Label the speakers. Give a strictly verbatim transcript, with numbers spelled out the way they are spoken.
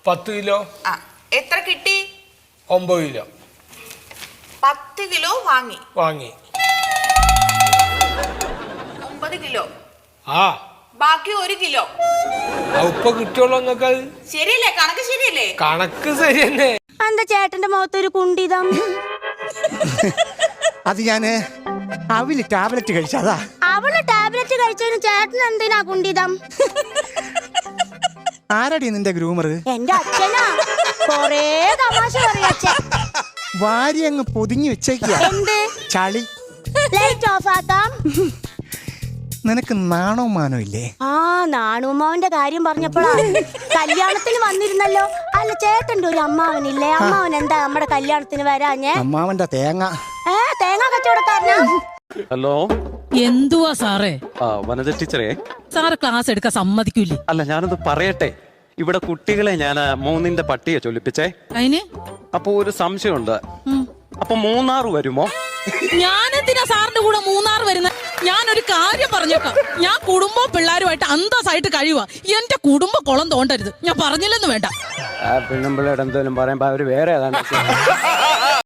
Speaker 1: പത്ത് കിലോ.
Speaker 2: ആ എത്ര കിട്ടി?
Speaker 1: ഒമ്പത് കിലോ.
Speaker 2: പത്ത് കിലോ വാങ്ങി
Speaker 1: വാങ്ങി
Speaker 2: ഒമ്പത് കിലോ.
Speaker 1: ആ
Speaker 2: ബാക്കി ഒരു കിലോ
Speaker 1: ഉപ്പ കിട്ടിയോളൂ. നിങ്ങൾക്ക് അത്
Speaker 2: ശരിയല്ലേ? കണക്ക് ശരിയല്ലേ?
Speaker 1: കണക്ക് ശരി തന്നെ.
Speaker 3: എന്താ ചേട്ടന്റെ മുഖത്തൊരു കുണ്ടിതം?
Speaker 4: അത് ഞാന് അവല് ടാബ്ലറ്റ് കഴിച്ചതാ.
Speaker 3: അവള് ടാബ്ലറ്റ് കഴിച്ചതിന് ചേട്ടൻ എന്തിനാ കുണ്ടിതം?
Speaker 4: ആരടി നിന്റെ ഗ്രൂമർ?
Speaker 3: എന്റെ അച്ഛനാ. കൊറേ തമാശ പറയാ.
Speaker 4: വാരി അങ്ങ് പൊതിഞ്ഞു വെച്ചേക്കുക.
Speaker 3: എന്ത്
Speaker 4: ചളി.
Speaker 3: ലൈറ്റ് ഓഫ് ആക്കാം.
Speaker 4: നിനക്ക് നാണോ മാനോ ഇല്ലേ?
Speaker 3: ആ നാണുമ്മാവന്റെ കാര്യം പറഞ്ഞപ്പോഴാ കല്യാണത്തിന് വന്നിരുന്നല്ലോ. അല്ല ചേട്ടന്റെ ഒരു അമ്മാവനില്ലേ? അമ്മാവൻ എന്താ നമ്മുടെ കല്യാണത്തിന് വരാഞ്ഞേ?
Speaker 4: അമ്മാവന്റെ തേങ്ങ.
Speaker 3: ഏ തേങ്ങ കച്ചവടക്കാരനാ?
Speaker 5: ഹലോ,
Speaker 6: എന്തുവാ സാറേ?
Speaker 5: ആ വനജ ടീച്ചറേ,
Speaker 6: സാറ് ക്ലാസ് എടുക്കാൻ സമ്മതിക്കൂലേ?
Speaker 5: അല്ല ഞാനൊന്ന് പറയട്ടെ. ഇവിടെ കുട്ടികളെ ഞാൻ മൂന്നിന്റെ പട്ടിയെ ചൊല്ലിപ്പിച്ചേ.
Speaker 6: അതിന്
Speaker 5: അപ്പൊ ഒരു സംശയമുണ്ട്. അപ്പൊ മൂന്നാറ് വരുമോ?
Speaker 6: ഞാനെന്തിനാ സാറിന്റെ കൂടെ മൂന്നാർ വരുന്ന? ഞാനൊരു കാര്യം പറഞ്ഞേക്കാം. ഞാൻ കുടുംബവും പിള്ളേരുമായിട്ട് അന്തസ്സായിട്ട് കഴിയുക. എന്റെ കുടുംബ കുളം തോണ്ടരുത്. ഞാൻ പറഞ്ഞില്ലെന്ന് വേണ്ട.
Speaker 5: പെണ്ണുമ്പിള്ളയുടെ എന്തോലും പറയുമ്പോ അവര് വേറെ ഏതാണ്ട്